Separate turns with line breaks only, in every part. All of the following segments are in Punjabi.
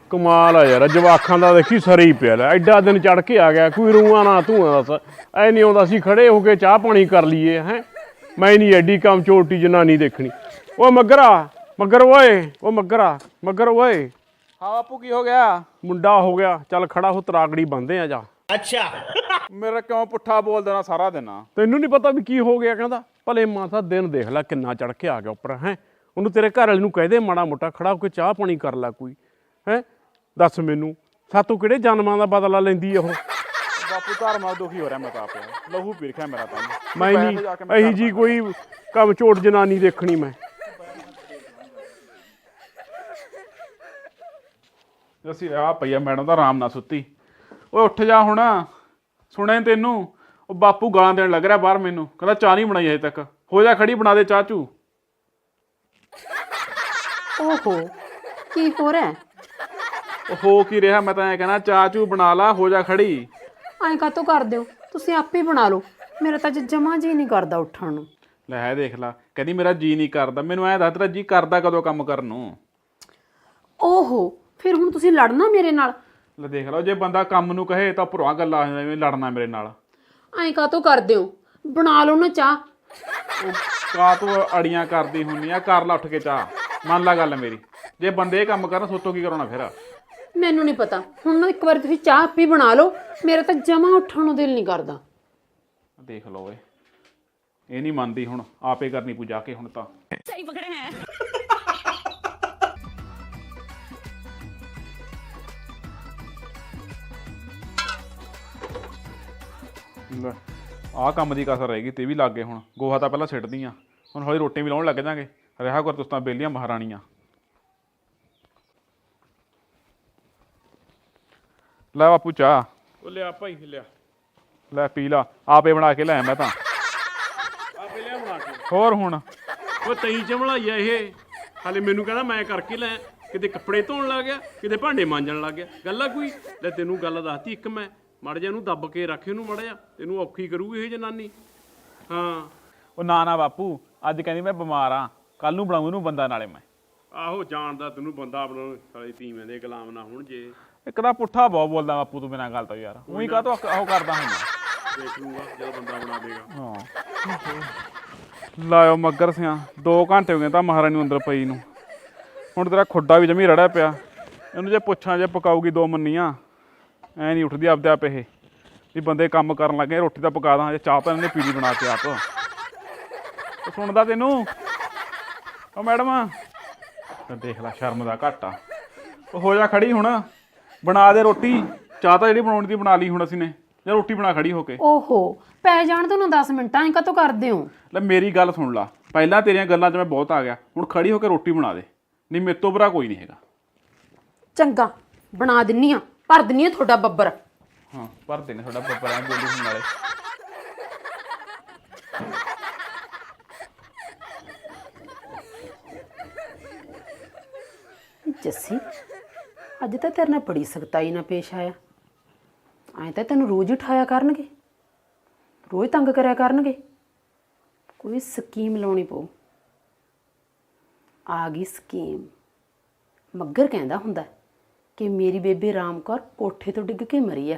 ਕਮਾਲ ਆ ਯਾਰ, ਜਵਾਖਾਂ ਦਾ ਦੇਖੀ ਸਰੇ ਹੀ ਪਿਆ ਲੈ। ਐਡਾ ਦਿਨ ਚੜ ਕੇ ਆ ਗਿਆ, ਕੋਈ ਰੂਆਂ ਨਾ ਧੂਆਂ ਦੱਸ। ਐ ਨਹੀਂ ਆਉਂਦਾ ਸੀ ਖੜੇ ਹੋ ਕੇ ਚਾਹ ਪਾਣੀ ਕਰ ਲਈਏ ਹੈ। ਮੈਂ ਨਹੀਂ ਐਡੀ ਕੰਮ ਚੋਟੀ ਜਨਾਨੀ ਦੇਖਣੀ। ਓ ਮੱਗਰਾ ਮੱਗਰ ਓਏ, ਓ ਮੱਗਰ ਓਏ।
ਹਾਂ ਬਾਪੂ ਕੀ ਹੋ ਗਿਆ?
ਮੁੰਡਾ ਹੋ ਗਿਆ, ਚੱਲ ਖੜਾ ਹੋ, ਤਰਾਗੜੀ ਬੰਦੇ ਆ ਜਾ।
ਅੱਛਾ ਮੇਰਾ ਕਿਉਂ ਪੁੱਠਾ ਬੋਲ ਦੇਣਾ ਸਾਰਾ ਦਿਨ?
ਤੈਨੂੰ ਨਹੀਂ ਪਤਾ ਵੀ ਕੀ ਹੋ ਗਿਆ? ਕਹਿੰਦਾ ਭਲੇ ਮਾਸਾ ਦਿਨ ਦੇਖ ਲੈ ਕਿੰਨਾ ਚੜ ਕੇ ਆ ਗਿਆ ਉੱਪਰ ਹੈ। ਉਹਨੂੰ ਤੇਰੇ ਘਰ ਵਾਲੇ ਨੂੰ ਕਹਿ ਦੇ ਮਾੜਾ ਮੋਟਾ ਖੜਾ ਹੋ ਕੇ ਚਾਹ ਪਾਣੀ ਕਰ ਲੈ ਕੋਈ ਹੈ। ਦੱਸ ਮੈਨੂੰ ਸਾਤੋਂ ਕਿਹੜੇ ਜਨਮਾਂ ਦਾ ਬਦਲਾ ਲੈਂਦੀ ਉਹ?
ਬਾਪੂ ਘਰ ਮਾਰ ਦੁਖੀ ਹੋ ਰਿਹਾ ਮੈਂ ਤਾਂ ਆਪੇ, ਲਹੂ ਪੀ ਰਖਿਆ ਮੇਰਾ ਤਾਂ।
ਮੈਂ ਨਹੀਂ ਇਹੀ ਜੀ ਕੋਈ ਕੰਮ ਝੋਟ ਜਨਾਨੀ ਦੇਖਣੀ ਮੈਂ।
ਅਸੀਂ ਆ ਪਈਆ ਮੈਡਮ ਤਾਂ ਆਰਾਮ ਨਾਲ ਸੁੱਤੀ। ਓਏ ਉੱਠ ਜਾ ਹੁਣ, ਸੁਣਿਆ ਤੈਨੂੰ? ਉਹ ਬਾਪੂ ਗਾਲਾਂ ਦੇਣ ਲੱਗ ਰਿਹਾ ਬਾਹਰ ਮੈਨੂੰ, ਕਹਿੰਦਾ ਚਾਹ ਨਹੀਂ ਬਣਾਈ ਹਜੇ ਤੱਕ। ਹੋ ਜਾ ਖੜੀ, ਬਣਾ ਦੇ ਚਾਹ ਚੂ।
ਓਹੋ ਕੀ ਹੋ ਰਿਹਾ?
ਉਹ ਹੋ ਕੀ ਰਿਹਾ? ਮੈਂ ਤਾਂ ਐਂ ਕਹਿਣਾ ਚਾਹ ਚੂ ਬਣਾ ਲਾ, ਹੋ ਜਾ ਖੜੀ।
ਐਂ ਕਾਤੋਂ ਕਰਦੇ ਹੋ ਤੁਸੀਂ? ਆਪੇ ਹੀ ਬਣਾ ਲਓ, ਮੇਰਾ ਤਾਂ ਜਮਾ ਜੀ ਨਹੀਂ ਕਰਦਾ ਉੱਠਣ ਨੂੰ।
ਲੈ ਹੈ ਦੇਖ ਲਾ, ਕਹਿੰਦੀ ਮੇਰਾ ਜੀ ਨਹੀਂ ਕਰਦਾ। ਮੈਨੂੰ ਐਂ ਦੱਸ ਤੇਰਾ ਜੀ ਕਰਦਾ ਕਦੋਂ ਕੰਮ ਕਰਨ ਨੂੰ?
ਓਹੋ ਫਿਰ ਹੁਣ ਤੁਸੀਂ ਲੜਨਾ ਮੇਰੇ ਨਾਲ?
ਲੈ ਦੇਖ ਲਓ, ਜੇ ਬੰਦਾ ਕੰਮ ਨੂੰ ਕਹੇ ਤਾਂ ਭੁਰਾ ਗੱਲਾਂ ਆ ਜਾਂਦੀਆਂ, ਲੜਨਾ ਮੇਰੇ ਨਾਲ।
ਐਂ ਕਾਤੋਂ ਕਰਦੇ ਹੋ? ਬਣਾ ਲਓ ਨਾ ਚਾਹ।
ਉਹ ਕਾ ਤੂੰ ਅੜੀਆਂ ਕਰਦੀ ਹੁੰਨੀ ਆ? ਕਰ ਲਾ ਉੱਠ ਕੇ ਚਾਹ, ਮੰਨ ਲਾ ਗੱਲ ਮੇਰੀ। ਜੇ ਬੰਦੇ ਇਹ ਕੰਮ ਕਰਨ ਸੋਤੋਂ ਕੀ ਕਰਾਉਣਾ ਫਿਰ?
ਮੈਨੂੰ ਨਹੀਂ ਪਤਾ, ਹੁਣ ਇੱਕ ਵਾਰੀ ਤੁਸੀਂ ਚਾਹ ਆਪੇ ਬਣਾ ਲਓ, ਮੇਰਾ ਤਾਂ ਜਮਾ ਉੱਠਣ ਨੂੰ ਦਿਲ ਨਹੀਂ ਕਰਦਾ।
ਦੇਖ ਲਓ ਓਏ, ਇਹ ਨਹੀਂ ਮੰਨਦੀ, ਹੁਣ ਆਪੇ ਕਰਨੀ ਪੂ ਜਾ ਕੇ ਹੁਣ ਤਾਂ।
ਸਹੀ ਪਕੜੇ ਹੈ।
ਲੈ ਆਹ ਕੰਮ ਦੀ ਕਸਰ ਰਹੇਗੀ, ਤੇ ਵੀ ਲੱਗ ਗਏ ਹੁਣ। ਗੋਹਾ ਤਾਂ ਪਹਿਲਾਂ ਸਿੱਟਦੀ ਆ, ਹੁਣ ਹੌਲੀ ਰੋਟੀ ਵੀ ਲਾਉਣ ਲੱਗ ਜਾਗੇ। ਰਿਹਾ ਕਰ ਤੁਸੀਂ ਤਾਂ ਬੇਲੀਆਂ ਮਹਾਰਾਣੀਆਂ। ਲੈ ਬਾਪੂ ਚਾਹ।
ਉਹ ਲਿਆ ਭਾਈ ਲਿਆ,
ਲੈ ਪੀ ਲਾ, ਆਪੇ ਬਣਾ ਕੇ ਲੈ ਮੈਂ ਤਾਂ।
ਆਪੇ ਲਿਆ ਬਣਾ ਕੇ।
ਹੋਰ ਹੁਣ
ਉਹ ਤਈ ਚਮਲਾਈਆ ਇਹ, ਹਾਲੇ ਮੈਨੂੰ ਕਹਿੰਦਾ ਮੈਂ ਕਰਕੇ ਲੈ। ਕਿਤੇ ਕੱਪੜੇ ਧੋਣ ਲੱਗ ਗਿਆ, ਕਿਤੇ ਭਾਂਡੇ ਮਾਂਜਣ ਲੱਗ ਗਿਆ। ਗੱਲ ਆ ਕੋਈ? ਲੈ ਤੈਨੂੰ ਗੱਲ ਦੱਸਤੀ ਇੱਕ ਮੈਂ, ਮੜ ਜਾ ਇਹਨੂੰ ਦੱਬ ਕੇ ਰੱਖ, ਇਹਨੂੰ ਮੜ ਜਾ, ਤੈਨੂੰ ਔਖੀ ਕਰੂ ਇਹ ਜਨਾਨੀ। ਹਾਂ
ਉਹ ਨਾ ਬਾਪੂ, ਅੱਜ ਕਹਿੰਦੀ ਮੈਂ ਬਿਮਾਰ ਆ, ਕੱਲ ਨੂੰ ਬਣਾਉਂ ਇਹਨੂੰ ਬੰਦਾ ਨਾਲੇ ਮੈਂ।
ਆਹੋ ਜਾਣਦਾ ਤੈਨੂੰ ਬੰਦਾ ਬਣਾਉਣ, ਸਾਲੇ ਤੀਵੇਂ ਦੇ ਗੁਲਾਮ ਨਾ ਹੁਣ ਜੇ।
ਇੱਕ ਤਾਂ ਪੁੱਠਾ ਬਹੁਤ ਬੋਲਦਾ ਬਾਪੂ ਤੂੰ ਬਿਨਾਂ ਗੱਲ ਤੋਂ ਯਾਰ। ਉਹੀ ਕਾਹ ਤੋਂ ਉਹ ਕਰਦਾ ਹੁੰਦਾ।
ਦੇਖ ਲੂੰਗਾ ਜਦੋਂ ਬੰਦਾ ਬਣਾ ਦੇਗਾ।
ਹਾਂ ਲਾਇਓ ਮੱਗਰ ਸਿਆਂ, 2 ਘੰਟੇ ਹੋ ਗਏ ਤਾਂ ਮਹਾਰਾਣੀ ਨੂੰ ਅੰਦਰ ਪਈ ਨੂੰ। ਹੁਣ ਤੇਰਾ ਖੁੱਡਾ ਵੀ ਜਮੀ ਰੜਿਆ ਪਿਆ। ਇਹਨੂੰ ਜੇ ਪੁੱਛਾਂ ਜੇ ਪਕਾਊਗੀ 2 ਮੰਨੀਆਂ, ਐ ਨਹੀਂ ਉੱਠਦੀ ਆਪਦੇ ਆਪ। ਇਹ ਵੀ ਬੰਦੇ ਕੰਮ ਕਰਨ ਲੱਗੇ, ਰੋਟੀ ਤਾਂ ਪਕਾ ਦਾਂ, ਜੇ ਚਾਹ ਤਾਂ ਇਹਨੇ ਪੀਲੀ ਬਣਾ ਕੇ ਆਪ। ਉਹ ਸੁਣਦਾ ਤੈਨੂੰ? ਉਹ ਮੈਡਮ ਦੇਖ ਲੈ, ਸ਼ਰਮ ਦਾ ਘਾਟਾ। ਉਹ ਹੋ ਜਾ ਖੜੀ ਹੁਣ, ਬਣਾ ਦੇ ਰੋਟੀ। ਚਾਹ ਤਾਂ ਜਿਹੜੀ ਬਣਾਉਣੀ ਦੀ ਬਣਾ ਲਈ ਹੁਣ ਅਸੀਂ ਨੇ, ਜਾਂ ਰੋਟੀ ਬਣਾ ਖੜੀ ਹੋ ਕੇ।
ਓਹੋ ਪੈ ਜਾਣ ਤੁਹਾਨੂੰ 10 ਮਿੰਟਾਂ, ਐਂ ਕਾਤੋਂ ਕਰਦੇ ਹੋ?
ਲੈ ਮੇਰੀ ਗੱਲ ਸੁਣ ਲਾ, ਪਹਿਲਾਂ ਤੇਰੀਆਂ ਗੱਲਾਂ 'ਚ ਮੈਂ ਬਹੁਤ ਆ ਗਿਆ, ਹੁਣ ਖੜੀ ਹੋ ਕੇ ਰੋਟੀ ਬਣਾ ਦੇ, ਨਹੀਂ ਮੇਰੇ ਤੋਂ ਬੁਰਾ ਕੋਈ ਨਹੀਂ ਹੈਗਾ।
ਚੰਗਾ ਬਣਾ ਦਿੰਨੀ ਆ, ਭਰ ਦਿੰਨੀ ਆ ਤੁਹਾਡਾ ਬੱਬਰ।
ਹਾਂ ਭਰ ਦੇਣੇ ਤੁਹਾਡਾ ਬੱਬਰ, ਐ ਬੋਲੀ ਹੁਣ ਨਾਲੇ।
ਜੱਸੀ ਅੱਜ ਤਾਂ ਤੇਰੇ ਨਾਲ ਬੜੀ ਸਖਤਾਈ ਨਾਲ ਪੇਸ਼ ਆਇਆ। ਐਂ ਤਾਂ ਤੈਨੂੰ ਰੋਜ਼ ਹੀ ਉਠਾਇਆ ਕਰਨਗੇ, ਰੋਜ਼ ਤੰਗ ਕਰਿਆ ਕਰਨਗੇ। ਕੋਈ ਸਕੀਮ ਲਾਉਣੀ ਪਊ। ਆ ਗਈ ਸਕੀਮ। ਮੱਗਰ ਕਹਿੰਦਾ ਹੁੰਦਾ ਕਿ ਮੇਰੀ ਬੇਬੇ ਰਾਮ ਕੌਰ ਕੋਠੇ ਤੋਂ ਡਿੱਗ ਕੇ ਮਰੀ ਆ।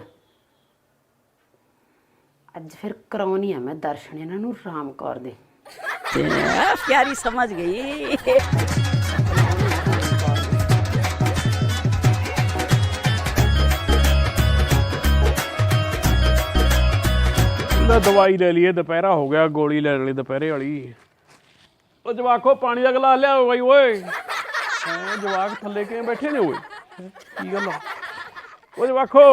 ਅੱਜ ਫਿਰ ਕਰਾਉਣੀ ਆ ਮੈਂ ਦਰਸ਼ਨ ਇਹਨਾਂ ਨੂੰ ਰਾਮ ਕੌਰ ਦੇ।
प्यारी समझ गई।
ਦਵਾਈ ਲੈ ਲਈਏ, ਦੁਪਹਿਰਾ ਹੋ ਗਿਆ, ਗੋਲੀ ਲੈ ਲਈ ਦੁਪਹਿਰੇ ਵਾਲੀ। ਉਹ ਜਵਾਕੋ ਪਾਣੀ ਦਾ ਗਲਾਸ ਲਿਆਓ ਬਾਈ ਓਏ। ਹੈਂ ਜਵਾਕ ਥੱਲੇ ਕਿਵੇਂ ਬੈਠੇ ਨੇ ਓਏ? ਕੀ ਗੱਲ ਆ? ਉਹ ਜਵਾਕੋ,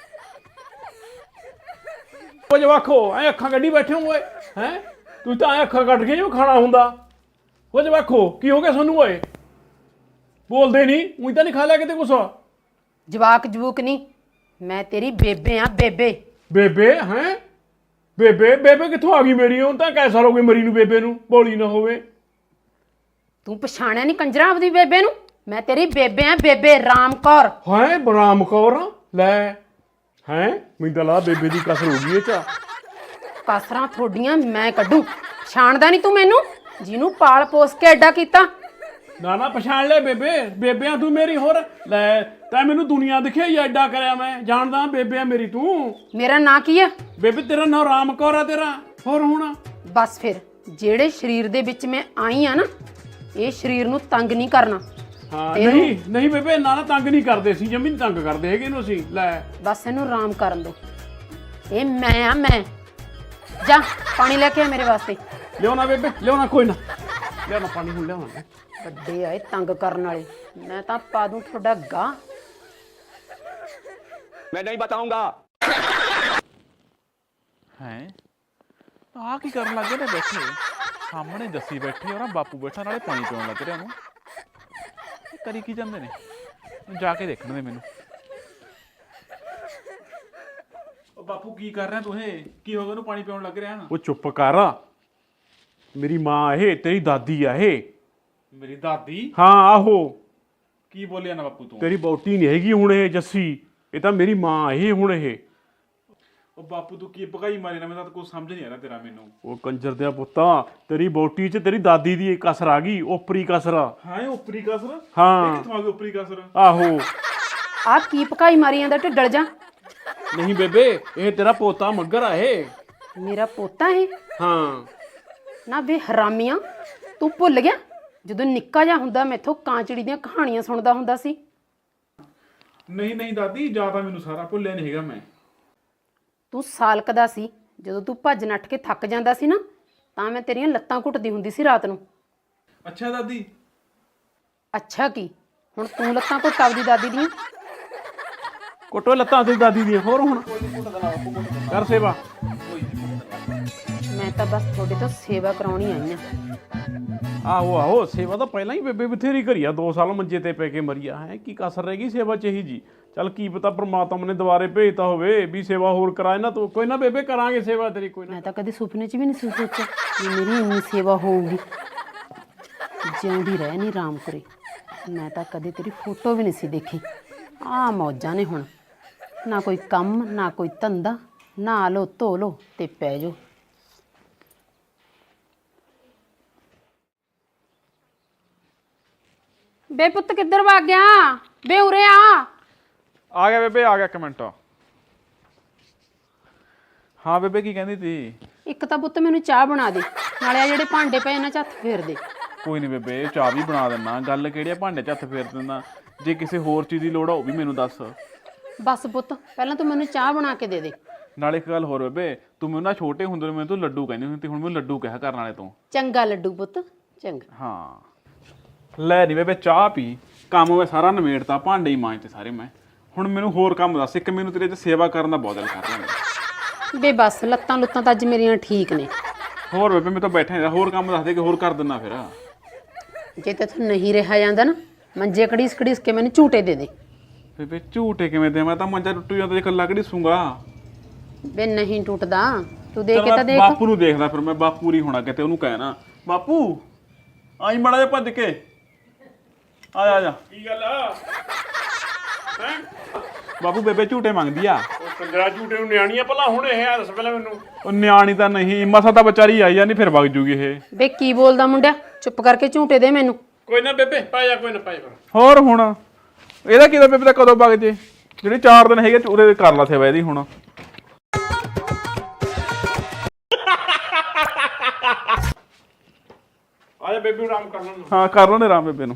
ਉਹ ਜਵਾਕੋ ਐ ਅੱਖਾਂ ਕੱਢੀ ਬੈਠੇ ਹੋ ਓਏ? ਹੈਂ ਤੂੰ ਤਾਂ ਐ ਅੱਖਾਂ ਕੱਢ ਕੇ ਜੋ ਖਾਣਾ ਹੁੰਦਾ। ਉਹ ਜਵਾਕੋ ਕੀ ਹੋ ਗਿਆ ਸਾਨੂੰ ਓਏ? ਬੋਲਦੇ ਨਹੀਂ, ਊਂ ਤਾਂ ਨਹੀਂ ਖਾ ਲਿਆ ਕਿਤੇ ਕੁਛ?
ਜਵਾਕ ਜਵੂਕ ਨਹੀਂ, ਮੈਂ ਤੇਰੀ ਬੇਬੇ ਆ, ਬੇਬੇ।
ਬੇਬੇ ਹੈਂ? ਬੇਬੇ ਕਿੱਥੋਂ ਆ ਗਈ ਮੇਰੀ? ਹੁਣ ਤਾਂ ਕੈ ਸਾਲ ਹੋ ਗਏ ਮਰੀ ਨੂੰ ਬੇਬੇ ਨੂੰ, ਬੋਲੀ ਨਾ ਹੋਵੇ।
ਤੂੰ ਪਛਾਣਿਆ ਨਹੀਂ ਕੰਜਰਾ ਆਪਦੀ ਬੇਬੇ ਨੂੰ? ਮੈਂ ਤੇਰੀ ਬੇਬੇ ਆ, ਬੇਬੇ ਰਾਮ ਕੌਰ।
ਹੈਂ ਰਾਮ ਕੌਰ? ਲੈ ਹੈਂ ਮੈਨੂੰ ਤਾਂ ਲਾ ਬੇਬੇ ਦੀ ਕਸਰ ਹੋ ਗਈ ਇਹ ਚ।
ਕਸਰਾਂ ਥੋਡੀਆਂ ਮੈਂ ਕੱਢੂ। ਪਛਾਣਦਾ ਨਹੀਂ ਤੂੰ ਮੈਨੂੰ, ਜਿਹਨੂੰ ਪਾਲ ਪੋਸ ਕੇ ਐਡਾ ਕੀਤਾ?
ਨਾ ਨਾ ਪਛਾਣ ਲੈ ਬੇਬੇ, ਬੇਬਿਆਂ ਤੂੰ ਮੇਰੀ ਹੋਰ ਲੈ ਤੈਂ ਮੈਨੂੰ ਦੁਨੀਆ ਦਿਖਿਆ ਹੀ ਐਡਾ ਕਰਿਆ ਮੈਂ ਜਾਣਦਾ ਬੇਬਿਆਂ ਮੇਰੀ ਤੂੰ।
ਮੇਰਾ ਨਾਂ ਕੀ ਆ?
ਬੇਬੇ ਤੇਰਾ ਨਾਂ ਰਾਮ ਕੌਰ ਆ ਤੇਰਾ, ਹੋਰ ਹੁਣ?
ਬਸ ਫਿਰ ਜਿਹੜੇ ਸਰੀਰ ਦੇ ਵਿੱਚ ਮੈਂ ਆਈ ਆ ਨਾ, ਇਹ ਸਰੀਰ ਨੂੰ ਤੰਗ ਨਹੀਂ ਕਰਨਾ।
ਹਾਂ ਨਹੀਂ ਨਹੀਂ ਬੇਬੇ, ਨਾ ਤੰਗ ਨਹੀਂ ਕਰਦੇ ਸੀ, ਜਮੀ ਨਹੀਂ ਤੰਗ ਕਰਦੇ ਹੈਗੇ ਇਹਨੂੰ ਅਸੀਂ। ਲੈ
ਬਸ ਇਹਨੂੰ ਆਰਾਮ ਕਰਨ ਦੋ। ਇਹ ਮੈਂ ਆ, ਮੈਂ। ਜਾ ਪਾਣੀ ਲੈ ਕੇ ਆ ਮੇਰੇ ਵਾਸਤੇ।
ਲਿਆਉਣਾ ਬੇਬੇ, ਲਿਆਉਣਾ, ਕੋਈ ਨਾ ਲਿਆਉਣਾ ਪਾਣੀ, ਹੁਣ ਲਿਆਉਣਾ।
ਵੱਡੇ ਆਏ ਤੰਗ ਕਰਨ ਵਾਲੇ, ਮੈਂ ਤਾਂ ਪਾ ਦੂੰ ਤੁਹਾਡਾ ਗਾਹ।
मैं नहीं बताऊंगा।
ਹੈ ਆ ਕੀ ਕਰਨ ਲੱਗੇ ਨੇ ਬੈਠੇ ਸਾਹਮਣੇ? ਜੱਸੀ ਬੈਠੀ ਔਰ ਬਾਪੂ ਬੈਠਾ, ਨਾਲੇ ਪਾਣੀ ਪੀਉਣ ਲੱਗ ਰਿਹਾ ਉਹਨੂੰ। ਇਹ ਕਰੀ ਕੀ ਜਾਂਦੇ ਨੇ? ਜਾ ਕੇ ਦੇਖਣ ਦੇ ਮੈਨੂੰ। ਉਹ ਬਾਪੂ ਕੀ ਕਰ ਰਿਹਾ ਤੂੰ? ਇਹ ਕੀ ਹੋ ਗਿਆ? ਉਹਨੂੰ ਪਾਣੀ ਪਿਉਣ ਲੱਗ ਰਿਹਾ।
ਉਹ ਚੁੱਪ ਕਰ, ਮੇਰੀ ਮਾਂ ਇਹ ਤੇਰੀ ਦਾਦੀ ਆ ਇਹ।
ਮੇਰੀ ਦਾਦੀ?
ਹਾਂ ਆਹੋ।
ਕੀ ਬੋਲਿਆ ਨਾ ਬਾਪੂ ਤੂੰ?
ਤੇਰੀ ਬੌਟੀ ਨਹੀਂ ਹੈਗੀ ਹੁਣ ਇਹ ਜੱਸੀ, ਇਹ ਤਾਂ ਮੇਰੀ ਮਾਂ ਇਹ ਹੁਣ ਇਹ।
ਉਹ ਬਾਪੂ ਤੂੰ ਕੀ ਭਗਾਈ ਮਾਰੀ ਨਾ, ਮੈਨੂੰ ਤਾਂ ਕੁਝ ਸਮਝ ਨਹੀਂ ਆ ਰਿਹਾ ਤੇਰਾ ਮੈਨੂੰ।
ਉਹ ਕੰਜਰ ਦਿਆ ਪੁੱਤਾਂ, ਤੇਰੀ ਬੌਟੀ 'ਚ ਤੇਰੀ ਦਾਦੀ ਦੀ ਇੱਕ ਕਸਰ ਆ ਗਈ, ਓਪਰੀ ਕਸਰ।
ਹਾਂ ਉਪਰੀ ਕਸਰ?
ਹਾਂ
ਕਿੱਥੋਂ ਆ ਗਈ ਉਪਰੀ ਕਸਰ?
ਆਹੋ।
ਆ ਕੀ ਪਕਾਈ ਮਾਰੀ ਜਾਂਦਾ ਢਿੱਡਲ ਜਾ?
ਨਹੀਂ ਬੇਬੇ, ਇਹ ਤੇਰਾ ਪੋਤਾ ਮੱਗਰ ਆ ਇਹ।
ਮੇਰਾ ਪੋਤਾ ਇਹ?
ਹਾਂ।
ਨਾ ਵੇ ਹਰਾਮੀਆਂ, ਤੂੰ ਭੁੱਲ ਗਿਆ ਜਦੋਂ ਨਿੱਕਾ ਜਿਹਾ ਹੁੰਦਾ ਮੈਥੋਂ ਕਾਂਚੜੀ ਦੀਆਂ ਕਹਾਣੀਆਂ ਸੁਣਦਾ ਹੁੰਦਾ ਸੀ?
ਨਹੀਂ ਨਹੀਂ ਦਾਦੀ, ਜ਼ਿਆਦਾ ਮੈਨੂੰ ਸਾਰਾ ਭੁੱਲਿਆ ਨਹੀਂ ਹੈਗਾ ਮੈਂ।
ਤੂੰ ਸਾਲਕ ਦਾ ਸੀ ਜਦੋਂ ਤੂੰ ਭੱਜ ਨੱਠ ਕੇ ਥੱਕ ਜਾਂਦਾ ਸੀ ਨਾ, ਤਾਂ ਮੈਂ ਤੇਰੀਆਂ ਲੱਤਾਂ ਘੁੱਟਦੀ ਹੁੰਦੀ ਸੀ ਰਾਤ ਨੂੰ।
ਅੱਛਾ ਦਾਦੀ?
ਅੱਛਾ ਕੀ, ਹੁਣ ਤੂੰ ਲੱਤਾਂ ਘੁੱਟ ਆਪਦੀ ਦਾਦੀ ਦੀਆਂ?
ਕੋਟੋ ਲੱਤਾਂ ਤੇਰੀ ਦਾਦੀ ਦੀਆਂ, ਹੋਰ ਹੁਣ ਕਰ ਸੇਵਾ।
ਮੈਂ ਤਾਂ ਬਸ ਤੁਹਾਡੇ ਤੋਂ ਸੇਵਾ ਕਰਾਉਣੀ ਆਈ ਆ।
ਆਹੋ ਆਹੋ, ਸੇਵਾ ਤਾਂ ਪਹਿਲਾਂ ਹੀ ਬੇਬੇ ਬਥੇਰੀ ਕਰੀ ਆ, 2 ਸਾਲ ਮੰਜੇ ਤੇ ਪੈ ਕੇ ਮਰੀਆ ਹੈ, ਕੀ ਕਸਰ ਰਹਿ ਗਈ ਸੇਵਾ ਚ ਇਹੀ ਜੀ। ਚੱਲ ਕੀ ਪਤਾ ਪ੍ਰਮਾਤਮਾ ਨੇ ਦੁਬਾਰੇ ਭੇਜਤਾ ਹੋਵੇ ਵੀ ਸੇਵਾ ਹੋਰ ਕਰਾਏ ਨਾ ਤੂੰ। ਕੋਈ ਨਾ ਬੇਬੇ, ਕਰਾਂਗੇ ਸੇਵਾ ਤੇਰੀ, ਕੋਈ ਨਾ।
ਮੈਂ ਤਾਂ ਕਦੇ ਸੁਪਨੇ 'ਚ ਵੀ ਨਹੀਂ ਸੀ ਸੋਚਿਆ ਵੀ ਮੇਰੀ ਇੰਨੀ ਸੇਵਾ ਹੋਊਗੀ। ਜਿਉਂਦੀ ਰਹਿ ਨੀ ਰਾਮਪੁਰੇ, ਮੈਂ ਤਾਂ ਕਦੇ ਤੇਰੀ ਫੋਟੋ ਵੀ ਨਹੀਂ ਸੀ ਦੇਖੀ। ਆਹ ਮੌਜਾਂ ਨੇ ਹੁਣ, ਨਾ ਕੋਈ ਕੰਮ ਨਾ ਕੋਈ ਧੰਦਾ, ਨਹਾ ਲਓ ਧੋ ਲਓ ਤੇ ਪੈ ਜਾਓ। ਬੇ ਪੁੱਤ ਕਿੱਧਰ ਭੱਗ ਗਿਆ? ਬੇ ਉਰੇ
ਆ ਗਿਆ ਬੇਬੇ, ਆ ਗਿਆ, ਇੱਕ ਮਿੰਟ। ਹਾਂ ਬੇਬੇ ਕੀ ਕਹਿੰਦੀ ਤੀ?
ਇੱਕ ਤਾਂ ਪੁੱਤ ਮੈਨੂੰ ਚਾਹ ਬਣਾ ਦੇ, ਨਾਲੇ ਆ ਜਿਹੜੇ ਭਾਂਡੇ ਪਏ ਇਹਨਾਂ 'ਚ ਹੱਥ ਫੇਰ ਦੇ।
ਕੋਈ ਨਹੀਂ ਬੇਬੇ, ਚਾਹ ਵੀ ਬਣਾ ਦਿੰਦਾ। ਗੱਲ ਕਿਹੜੀ ਆ ਭਾਂਡੇ 'ਚ ਹੱਥ ਫੇਰ ਦਿੰਦਾ? ਜੇ ਕਿਸੇ ਹੋਰ ਚੀਜ਼ ਦੀ ਲੋੜ ਆ ਉਹ ਵੀ ਮੈਨੂੰ ਦੱਸ।
ਬਸ ਪੁੱਤ ਪਹਿਲਾਂ ਤੂੰ ਮੈਨੂੰ ਚਾਹ ਬਣਾ ਕੇ ਦੇ ਦੇ।
ਨਾਲੇ ਇੱਕ ਗੱਲ ਹੋਰ ਬੇਬੇ, ਤੂੰ ਮੈਨੂੰ ਨਾ ਛੋਟੇ ਹੁੰਦੇ ਨੂੰ ਮੈਨੂੰ ਤੂੰ ਲੱਡੂ ਕਹਿੰਦੀ ਹੁੰਦੀ ਤੇ ਹੁਣ ਮੈਨੂੰ ਲੱਡੂ ਕਹਿ ਕਰਨ ਵਾਲੇ ਤੋਂ।
ਚੰਗਾ ਲੱਡੂ ਪੁੱਤ, ਚੰਗਾ।
ਹਾਂ ਲੈ ਨਹੀਂ ਬੇਬੇ, ਚਾਹ ਪੀ। ਕੰਮ ਮੈਂ ਸਾਰਾ ਨਿਮੇੜਤਾ, ਭਾਂਡੇ ਹੀ ਮਾਂਜਤੇ ਸਾਰੇ ਮੈਂ। ਹੁਣ ਮੈਨੂੰ ਹੋਰ ਕੰਮ ਦੱਸ। ਇੱਕ ਮੈਨੂੰ ਤੇਰੇ 'ਚ ਸੇਵਾ ਕਰਨ ਦਾ ਬਹੁਤ ਦਿਲ ਕਰ ਰਿਹਾ।
ਬੇ ਬਸ ਲੱਤਾਂ ਲੁੱਤਾਂ ਤਾਂ ਅੱਜ ਮੇਰੀਆਂ ਠੀਕ ਨੇ।
ਹੋਰ ਬੇਬੇ ਮੈਂ ਤਾਂ ਬੈਠਾ ਹੀ, ਹੋਰ ਕੰਮ ਦੱਸ ਦੇ ਕਿ ਹੋਰ ਕਰ ਦਿੰਦਾ ਫਿਰ।
ਜੇ ਤੇਥੋਂ ਨਹੀਂ ਰਿਹਾ ਜਾਂਦਾ ਨਾ, ਮੰਜੇ ਘੜੀਸ ਘੜੀਸ ਕੇ ਮੈਨੂੰ ਝੂਟੇ ਦੇ ਦੇ।
ਬੇਬੇ ਝੂਟੇ ਕਿਵੇਂ ਦੇ? ਮੈਂ ਤਾਂ ਮੰਜਾ ਟੁੱਟੂ ਜਾਂਦਾ ਜੇ ਇਕੱਲਾ ਘੜੀਸੂੰਗਾ।
ਬੇ ਨਹੀਂ ਟੁੱਟਦਾ, ਤੂੰ ਦੇਖ ਕੇ ਤਾਂ ਦੇਖ।
ਬਾਪੂ ਨੂੰ ਦੇਖਦਾ ਫਿਰ ਮੈਂ, ਬਾਪੂ ਨਹੀਂ ਹੋਣਾ ਕਿਤੇ, ਉਹਨੂੰ ਕਹਿਣਾ ਬਾਪੂ ਆਈ ਮੜਾ ਜਾ ਭੱਜ ਕੇ ਆ ਜਾ। ਆ ਜਾ।
ਕੀ ਗੱਲ ਆ?
ਬਾਪੂ ਬੇਬੇ ਝੂਟੇ ਮੰਗਦੀ ਆ।
ਉਹ ਕੰਜਰਾ ਝੂਟੇ ਨੂੰ ਨਿਆਣੀਆਂ ਭਲਾ ਹੁਣ ਇਹ ਆ, ਦੱਸ ਪਹਿਲਾਂ ਮੈਨੂੰ।
ਉਹ ਨਿਆਣੀ ਤਾਂ ਨਹੀਂ, ਮਸਾ ਤਾਂ ਵਿਚਾਰੀ ਆਈ ਜਾਂਦੀ, ਫਿਰ ਵਗ ਜੂਗੀ ਇਹ।
ਬੇ ਕੀ ਬੋਲਦਾ ਮੁੰਡਿਆ, ਚੁੱਪ ਕਰਕੇ ਝੂਟੇ ਦੇ ਮੈਨੂੰ।
ਕੋਈ ਨਾ ਬੇਬੇ, ਪੈ ਜਾ, ਕੋਈ ਨਾ ਪੈ ਜਾ।
ਹੋਰ ਹੁਣ ਇਹਦਾ ਕੀ ਦਾ ਬੇਬੇ ਦਾ ਕਦੋਂ ਵਗ ਜੇ? ਜਿਹੜੇ 4 ਦਿਨ ਹੈਗੇ ਉਹਦੇ ਕਰ ਲਾ ਸੇਵਾ ਇਹਦੀ ਹੁਣ।
ਆ ਜਾ ਬੇਬੇ, ਆਰਾਮ ਕਰ ਲੈਣ।
ਹਾਂ ਕਰ ਲੈਣੇ ਆਰਾਮ ਬੇਬੇ ਨੂੰ।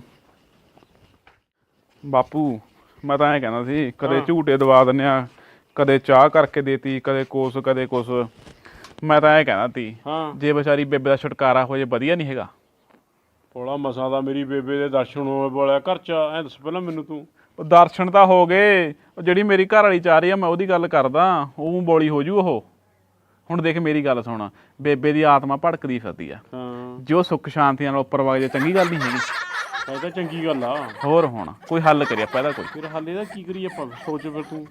ਬਾਪੂ ਮੈਂ ਤਾਂ ਐਂ ਕਹਿੰਦਾ ਸੀ, ਕਦੇ ਝੂਟੇ ਦਵਾ ਦਿੰਦੇ ਆ, ਕਦੇ ਚਾਹ ਕਰਕੇ ਦੇਤੀ, ਕਦੇ ਕੁਛ ਕਦੇ ਕੁਛ। ਮੈਂ ਤਾਂ ਐਂ ਕਹਿੰਦਾ ਤੀ, ਜੇ ਵਿਚਾਰੀ ਬੇਬੇ ਦਾ ਛੁਟਕਾਰਾ ਹੋ ਜੇ ਵਧੀਆ ਨਹੀਂ ਹੈਗਾ?
ਥੋੜਾ ਮਸਾਂ ਦਾ ਮੇਰੀ ਬੇਬੇ ਦੇ ਦਰਸ਼ਨ ਹੋਏ ਵਾਲਿਆ ਘਰ ਚ, ਐ ਦੱਸ ਪਹਿਲਾਂ ਮੈਨੂੰ ਤੂੰ।
ਉਹ ਦਰਸ਼ਨ ਤਾਂ ਹੋ ਗਏ, ਉਹ ਜਿਹੜੀ ਮੇਰੀ ਘਰ ਵਾਲੀ ਚਾਹ ਰਹੀ ਆ ਮੈਂ ਉਹਦੀ ਗੱਲ ਕਰਦਾ। ਉਹ ਬੋਲੀ ਹੋ ਜੂ ਉਹ। ਹੁਣ ਦੇਖ ਮੇਰੀ ਗੱਲ ਸੁਣ, ਬੇਬੇ ਦੀ ਆਤਮਾ ਭੜਕਦੀ ਫਿਰਦੀ ਆ। ਜੋ ਸੁੱਖ ਸ਼ਾਂਤੀ ਨਾਲ ਉੱਪਰ ਵਗ ਜੇ ਚੰਗੀ ਗੱਲ ਨਹੀਂ ਹੈਗੀ?
ਇਹ ਤਾਂ ਚੰਗੀ ਗੱਲ ਆ।
ਹੋਰ ਹੁਣ ਕੋਈ ਹੱਲ ਕਰੀਏ ਆਪਾਂ ਇਹਦਾ? ਕੋਈ
ਫਿਰ ਹੱਲ ਇਹਦਾ ਕੀ ਕਰੀਏ ਆਪਾਂ, ਸੋਚ ਫਿਰ ਤੂੰ।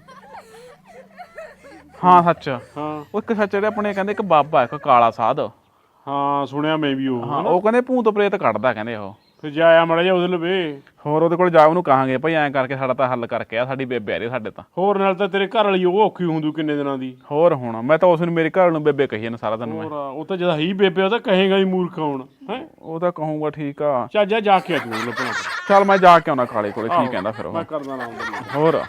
ਹਾਂ ਸੱਚ,
ਹਾਂ
ਉਹ ਇੱਕ ਸੱਚ ਜਿਹੜੇ ਆਪਣੇ ਕਹਿੰਦੇ ਇੱਕ ਬਾਬਾ ਇੱਕ ਕਾਲਾ ਸਾਧ।
ਹਾਂ ਸੁਣਿਆ ਮੈਂ ਵੀ ਉਹ।
ਹਾਂ ਉਹ ਕਹਿੰਦੇ ਭੂਤ ਪ੍ਰੇਤ ਕੱਢਦਾ ਕਹਿੰਦੇ ਉਹ।
ਫਿਰ ਜਾਇਆ ਮੜਾ ਜਾ ਉਹਦੇ ਲਵੇ।
ਹੋਰ ਉਹਦੇ ਕੋਲ ਜਾ, ਉਹਨੂੰ ਕਹਾਂਗੇ ਭਾਈ ਐਂ ਕਰਕੇ ਸਾਡਾ ਤਾਂ ਹੱਲ ਕਰਕੇ ਆ, ਸਾਡੀ ਬੇਬੇ ਆ ਰਹੀ ਸਾਡੇ ਤਾਂ।
ਹੋਰ ਨਾਲ ਤਾਂ ਤੇਰੇ ਘਰ ਵਾਲੀ ਉਹ ਔਖੀ ਹੁੰਦੂ ਕਿੰਨੇ ਦਿਨਾਂ ਦੀ।
ਹੋਰ ਹੁਣ ਮੈਂ ਤਾਂ ਉਸ ਨੂੰ ਮੇਰੇ ਘਰ ਨੂੰ ਬੇਬੇ ਕਹੀ ਜਾਂਦਾ ਸਾਰਾ ਦਿਨ ਮੈਂ।
ਹੋਰ ਉਹ ਤਾਂ ਜਦ ਹੀ ਬੇਬੇ ਉਹ ਤਾਂ ਕਹੇਗਾ ਹੀ ਮੂਰਖ ਹੁਣ ਹੈ।
ਉਹ ਤਾਂ ਕਹੂੰਗਾ ਠੀਕ ਆ।
ਚੱਲ ਜਾ ਕੇ ਆ ਤੂੰ ਲੱਭਣਾ।
ਚੱਲ ਮੈਂ ਜਾ ਕੇ ਆਉਣਾ ਕਾਲੇ ਕੋਲੇ, ਕੀ ਕਹਿੰਦਾ ਫਿਰ ਉਹ।
ਮੈਂ ਕਰਦਾ ਨਾ ਉਹਦੇ
ਹੋਰ